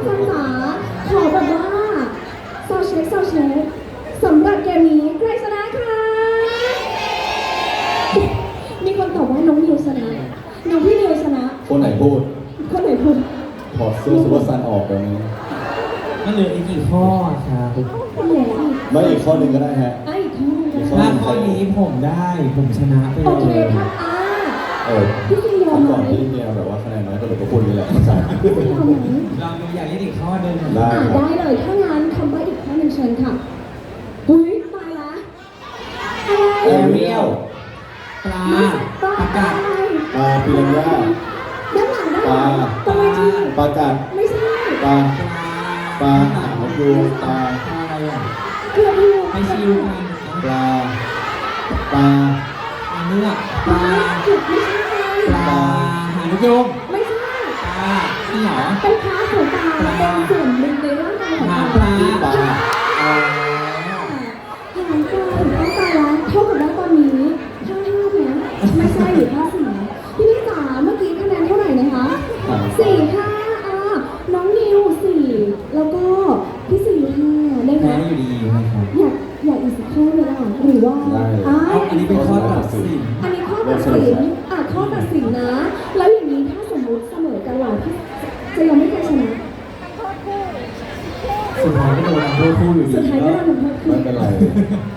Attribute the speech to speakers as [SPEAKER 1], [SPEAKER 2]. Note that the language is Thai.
[SPEAKER 1] ฟังจ๋าขอแบบว่าซาวเช็คสำหรับเกมนี้ใครชนะคะมีคนตอบว่าน้องนิวชนะน้องพี่นิวชนะ
[SPEAKER 2] คนไหนพูดถอดเสื้อซุปเปอร์ซันออกเดี๋ยวนี้
[SPEAKER 3] มันเหลืออีกกี่ข้อครับ
[SPEAKER 2] ไม่อีกข้อหนึ่งก็ได้ฮะ
[SPEAKER 1] อีกข้อหนึ่ง
[SPEAKER 3] ถ้าข้อนี้ผมได้ผมชนะไปเลย
[SPEAKER 1] โอเคครับพี่ซียอมไหม
[SPEAKER 2] ก่อนที่เมียแบบว่าคะแนนน้อยก็เลยก็พูดนี่แหละใช่
[SPEAKER 1] พี่ซียอมไหม
[SPEAKER 3] ลองดูอย่างนี้อีกข้อหนึ่ง
[SPEAKER 2] ได้
[SPEAKER 1] เลยถ้างั้นคำใบ้อีกข้อหนึ่งเชิญค่ะหุ้ยตายละ
[SPEAKER 3] แอเรียลปลาประกาศ
[SPEAKER 2] ปลาปิรันย่า
[SPEAKER 1] ด้านหลังตัวที
[SPEAKER 2] ปลากัด
[SPEAKER 1] ไม่ใช่
[SPEAKER 2] ปลาหางยูปลา
[SPEAKER 3] อะไรอ่ะ
[SPEAKER 1] เกือบอยู่
[SPEAKER 3] ไปชิว
[SPEAKER 2] ปลา
[SPEAKER 3] เนื้อปลาหางยม
[SPEAKER 1] ไม่ใช่
[SPEAKER 3] ปลาที่หรอ
[SPEAKER 1] เป็นพาร์ทของปลาเป็นส่วนหนึ่งในร่างกายของ
[SPEAKER 3] ปลา
[SPEAKER 1] หางปลาถูกต้องตายแล้วเท่ากับว่าตอนนี้5-5นะไม่ใช่หรือ5-4พี่จ๋าเมื่อกี้คะแนนเท่าไหร่นะคะ4-5น้องนิว4แล้วก็พี่4-5ได้ไหม
[SPEAKER 3] แพ้อยู่ดีนะครับ
[SPEAKER 1] อยากอีกสักข้อเลยล่ะหรือว่า
[SPEAKER 3] อันนี้เป็นข้อตัดสิน
[SPEAKER 1] อันนี้ข้อตัดสินข้อตัดสินนะแล้วอย่างนี้ถ้าสมมติเสมอกันเราจะยังไม่เคยชนะ
[SPEAKER 3] สุดท้ายก็โดนโทษคู่อยู่ดี
[SPEAKER 1] สุดท้ายก็โดนโทษคู่
[SPEAKER 2] ไม่เป็นไร